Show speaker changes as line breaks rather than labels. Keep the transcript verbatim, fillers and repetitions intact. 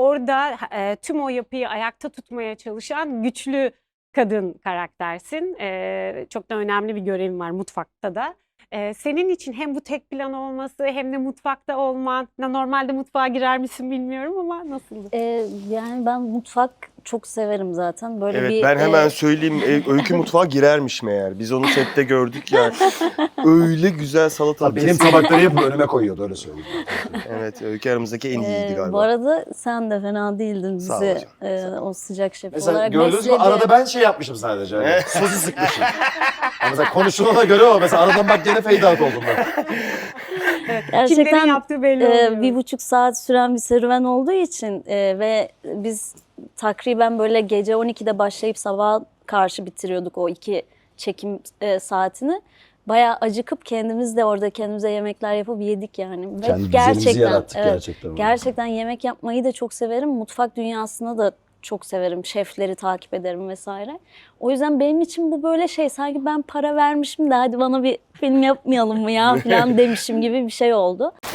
orada e, tüm o yapıyı ayakta tutmaya çalışan güçlü kadın karaktersin. E, çok da önemli bir görevin var mutfakta da. E, senin için hem bu tek plan olması hem de mutfakta olman, normalde mutfağa girer misin bilmiyorum ama nasıldı?
Ee, yani ben mutfak çok severim zaten. Böyle
Evet
bir
ben hemen
e,
söyleyeyim. E, Öykü mutfağa girermiş meğer. Biz onu sette gördük ya. Öyle güzel salatalık.
Benim tabakları hep önüme koyuyordu, öyle söyleyeyim.
Evet, Öykü aramızdaki en iyiydi
e,
galiba.
bu arada sen de fena değildin
Sağ ol
bizi
hocam,
e,
sağ ol.
o sıcak şef
Mesela
olarak
gördünüz mü,
besledi.
arada ben şey yapmışım sadece. Hani, sosu sıkmışım. Yani mesela konuşulana göre o. Mesela aradan bak gene fade out oldum ben.
Kimlerin
Gerçekten
yaptığı belli
e,
oluyor.
bir buçuk saat süren bir serüven olduğu için e, ve biz takriben böyle gece on ikide başlayıp sabaha karşı bitiriyorduk o iki çekim e, saatini. Bayağı acıkıp kendimiz de orada kendimize yemekler yapıp yedik yani. Ve
Kendi düzenimizi yarattık gerçekten.
Gerçekten yemek yapmayı da çok severim. Mutfak dünyasına da çok severim. Şefleri takip ederim vesaire. O yüzden benim için bu böyle şey, sanki ben para vermişim de hadi bana bir film yapmayalım mı ya falan demişim gibi bir şey oldu.